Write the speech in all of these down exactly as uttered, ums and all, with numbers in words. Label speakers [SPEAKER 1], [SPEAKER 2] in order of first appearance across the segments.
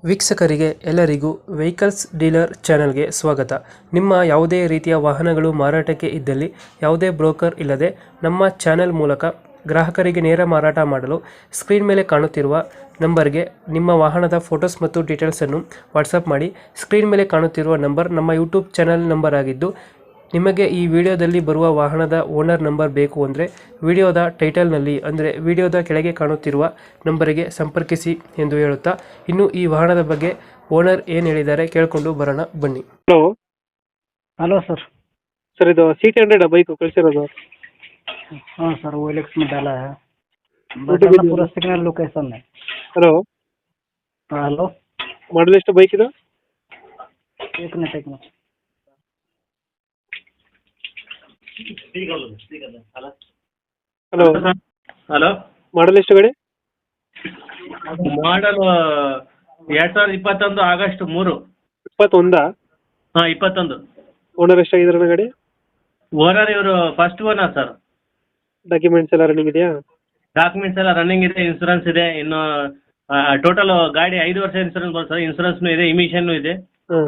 [SPEAKER 1] ವೀಕ್ಷಕರಿಗೆ ಎಲ್ಲರಿಗೂ vehicles dealer ಚಾನೆಲ್ಗೆ ಸ್ವಾಗತ. ನಿಮ್ಮ ಯಾವುದೇ ರೀತಿಯ ವಾಹನಗಳು ಮಾರಾಟಕ್ಕೆ ಇದ್ದಲ್ಲಿ ಯಾವುದೇ ಬ್ರೋಕರ್ ಇಲ್ಲದೆ ನಮ್ಮ ಚಾನೆಲ್ ಮೂಲಕ ಗ್ರಾಹಕರಿಗೆ ನೇರ ಮಾರಾಟ ಮಾಡಲು ಸ್ಕ್ರೀನ್ ಮೇಲೆ ಕಾಣುತ್ತಿರುವ ನಂಬರ್ಗೆ ನಿಮ್ಮ ವಾಹನದ ಫೋಟೋಸ್ ಮತ್ತು ಡೀಟೇಲ್ಸನ್ನು ವಾಟ್ಸಪ್ ಮಾಡಿ. ಸ್ಕ್ರೀನ್ ಮೇಲೆ ಕಾಣುತ್ತಿರುವ ನಂಬರ್ ನಮ್ಮ ಯೂಟ್ಯೂಬ್ ಚಾನೆಲ್ ನಂಬರ್ ಆಗಿದ್ದು, ನಿಮಗೆ ಈ ವಿಡಿಯೋದಲ್ಲಿ ಬರುವ ವಾಹನದ ಓನರ್ ನಂಬರ್ ಬೇಕು ಅಂದರೆ ವಿಡಿಯೋದ ಟೈಟಲ್ನಲ್ಲಿ ಅಂದರೆ ವಿಡಿಯೋದ ಕೆಳಗೆ ಕಾಣುತ್ತಿರುವ ನಂಬರಿಗೆ ಸಂಪರ್ಕಿಸಿ ಎಂದು ಹೇಳುತ್ತಾ, ಇನ್ನು ಈ ವಾಹನದ ಬಗ್ಗೆ ಓನರ್ ಏನು ಹೇಳಿದ್ದಾರೆ ಕೇಳಿಕೊಂಡು ಬರೋಣ ಬನ್ನಿ. Hello
[SPEAKER 2] hello sir.
[SPEAKER 1] ಸರ್, ಇದು ಸಿ ಟಿ ಹಂಡ್ರೆಡ್ ಬೈಕು ಕಳಿಸಿರೋದು?
[SPEAKER 2] ಹಾಂ sir, O L X metal
[SPEAKER 1] YouTube
[SPEAKER 2] ಪೂರ ಸಿಗ್ನಲ್ ಲೊಕೇಶನ್.
[SPEAKER 1] ಹಲೋ,
[SPEAKER 2] ಹಾಂ ಹಲೋ,
[SPEAKER 1] ಮಾಡಲ್ ಎಷ್ಟು ಬೈಕ್ ಇದು?
[SPEAKER 2] एक मिनट एक मिनट
[SPEAKER 1] ಹಲೋ
[SPEAKER 3] ಹಲೋ,
[SPEAKER 1] ಮಾಡಲ್ ಎಷ್ಟು ಗಾಡಿ?
[SPEAKER 3] ಮಾಡಲ್ ಎರಡ್ ಸಾವಿರದ ಇಪ್ಪತ್ತೊಂದು ಆಗಸ್ಟ್ ಮೂರು.
[SPEAKER 1] ಇಪ್ಪತ್ತೊಂದಾ?
[SPEAKER 3] ಹಾಂ, ಇಪ್ಪತ್ತೊಂದು.
[SPEAKER 1] ಓನರ್ ಎಷ್ಟಾಗಿದ್ದಾರೆ ಗಾಡಿ?
[SPEAKER 3] ಓನರ್ ಇವರು ಫಸ್ಟ್ ಓನರ್ ಸರ್.
[SPEAKER 1] ಡಾಕ್ಯುಮೆಂಟ್ಸ್ ಎಲ್ಲ ರನ್ನಿಂಗ್ ಇದೆಯಾ?
[SPEAKER 3] ಡಾಕ್ಯುಮೆಂಟ್ಸ್ ಎಲ್ಲ ರನ್ನಿಂಗ್ ಇದೆ, ಇನ್ಸೂರೆನ್ಸ್ ಇದೆ. ಇನ್ನು ಟೋಟಲ್ ಗಾಡಿ ಐದು ವರ್ಷ ಇನ್ಸೂರೆನ್ಸ್ ಬರುತ್ತೆ ಸರ್. ಇನ್ಸೂರೆನ್ಸ್ನು ಇದೆ, ಇಮಿಷನ್ನು ಇದೆ.
[SPEAKER 1] ಹಾಂ.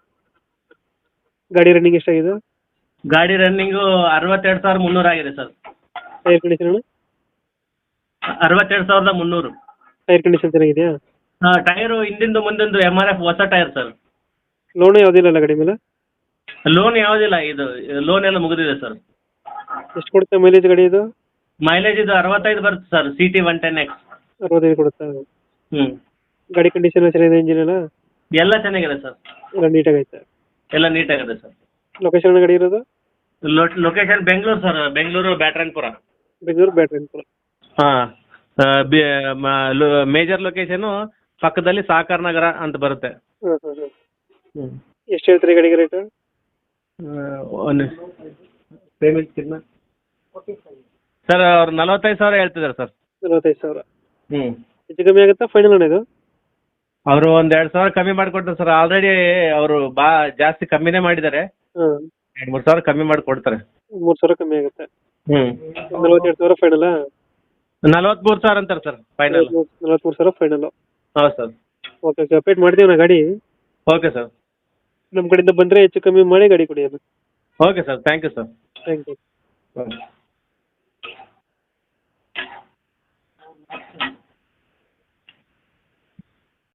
[SPEAKER 1] ಗಾಡಿ ರನ್ನಿಂಗ್ ಎಷ್ಟಾಗಿದೆ?
[SPEAKER 3] ಗಾಡಿ ರನ್ನಿಂಗು ಅರವತ್ತೆರಡು ಸಾವಿರ ಮುನ್ನೂರು ಆಗಿದೆ ಸರ್.
[SPEAKER 1] Tyre condition?
[SPEAKER 3] ಅರವತ್ತೆರಡು ಸಾವಿರದ ಮುನ್ನೂರು.
[SPEAKER 1] ಟೈರ್ ಕಂಡೀಷನ್ ಚೆನ್ನಾಗಿದೆಯಾ?
[SPEAKER 3] ಹಾಂ, ಟೈರು ಹಿಂದಿಂದು ಮುಂದಿಂದು ಎಮ್ ಆರ್ ಎಫ್ ಹೊಸ ಟೈರ್ ಸರ್.
[SPEAKER 1] ಲೋನ್ ಯಾವುದಿಲ್ಲ ಗಾಡಿ ಮೇಲೆ?
[SPEAKER 3] ಲೋನ್ ಯಾವುದಿಲ್ಲ, ಇದು ಲೋನ್ ಎಲ್ಲ ಮುಗಿದಿದೆ ಸರ್.
[SPEAKER 1] ಎಷ್ಟು ಕೊಡುತ್ತೆ ಮೈಲೇಜ್ ಗಾಡಿ ಇದು?
[SPEAKER 3] ಮೈಲೇಜ್ ಇದು ಅರವತ್ತೈದು ಬರುತ್ತೆ sir. C T one ten X.
[SPEAKER 1] ಅರವತ್ತೈದು ಕೊಡುತ್ತಾ?
[SPEAKER 3] ಹ್ಞೂ.
[SPEAKER 1] ಗಾಡಿ ಕಂಡೀಷನ್ ಚೆನ್ನಾಗಿದೆ, ಇಂಜಿನ್ ಎಲ್ಲ
[SPEAKER 3] ಎಲ್ಲ ಚೆನ್ನಾಗಿದೆ ಸರ್.
[SPEAKER 1] ಎಲ್ಲ ನೀಟಾಗೈತೆ?
[SPEAKER 3] ಎಲ್ಲ ನೀಟಾಗಿದೆ ಸರ್.
[SPEAKER 1] ಲೊಕೇಶನ್ ಗಾಡಿ ಇರೋದು?
[SPEAKER 3] Location Bengaluru sir, Bengaluru Byatarayanapura.
[SPEAKER 1] ಬೆಂಗಳೂರು ಬ್ಯಾಟ್ರಾಯನಪುರ.
[SPEAKER 3] ಹಾಂ. ಮೇಜರ್ ಲೊಕೇಶನು ಪಕ್ಕದಲ್ಲಿ ಸಾಕಾರ ನಗರ ಅಂತ ಬರುತ್ತೆ.
[SPEAKER 1] ಹಾಂ ಹಾಂ ಹಾಂ.
[SPEAKER 3] ಹ್ಞೂ.
[SPEAKER 1] ಎಷ್ಟು ಹೇಳ್ತೀರಿ ಗಾಡಿಗೆ ರೇಟ್?
[SPEAKER 3] ಒಂದು ಪೇಮೆಂಟ್ ಸರ್, ಅವ್ರು ನಲವತ್ತೈದು ಸಾವಿರ ಹೇಳ್ತಿದ್ದಾರೆ ಸರ್.
[SPEAKER 1] ನಲವತ್ತೈದು ಸಾವಿರ?
[SPEAKER 3] ಹ್ಞೂ.
[SPEAKER 1] ಹೆಚ್ಚು ಕಮ್ಮಿ ಆಗುತ್ತಾ ಫೈನಲ್ ಅಣ್ಣ ಇದು?
[SPEAKER 3] ಅವರು ಒಂದು ಎರಡು ಸಾವಿರ ಕಮ್ಮಿ ಮಾಡಿಕೊಡ್ತಾರೆ ಸರ್. ಆಲ್ರೆಡಿ ಅವರು ಬಾ ಜಾಸ್ತಿ ಕಮ್ಮಿನೇ ಮಾಡಿದ್ದಾರೆ.
[SPEAKER 1] ಹಾಂ.
[SPEAKER 3] ಎರಡು ಮೂರು ಸಾವಿರ ಕಮ್ಮಿ ಮಾಡಿ ಕೊಡ್ತಾರೆ.
[SPEAKER 1] ಮೂರು ಸಾವಿರ ಕಮ್ಮಿ ಆಗುತ್ತೆ?
[SPEAKER 3] ಹ್ಞೂ.
[SPEAKER 1] ನಲವತ್ತೆರಡು ಸಾವಿರ ಫೈನಲ್ಲಾ?
[SPEAKER 3] ನಲವತ್ತ್ಮೂರು ಸಾವಿರ ಅಂತಾರೆ ಸರ್ ಫೈನಲ್.
[SPEAKER 1] ನಲವತ್ತ್ಮೂರು ಸಾವಿರ ಫೈನಲು?
[SPEAKER 3] ಹೌದು ಸರ್.
[SPEAKER 1] ಓಕೆ ಓಕೆ, ಅಪ್ಡೇಟ್ ಮಾಡ್ತೀವಿ ನಾ ಗಾಡಿ.
[SPEAKER 3] Okay sir.
[SPEAKER 1] ನಮ್ಮ ಕಡೆಯಿಂದ ಬಂದರೆ ಹೆಚ್ಚು ಕಮ್ಮಿ ಮಾಡಿ ಗಾಡಿ ಕೊಡಿ ಅದು.
[SPEAKER 3] Okay sir, thank you sir.
[SPEAKER 1] Thank you.
[SPEAKER 3] Okay.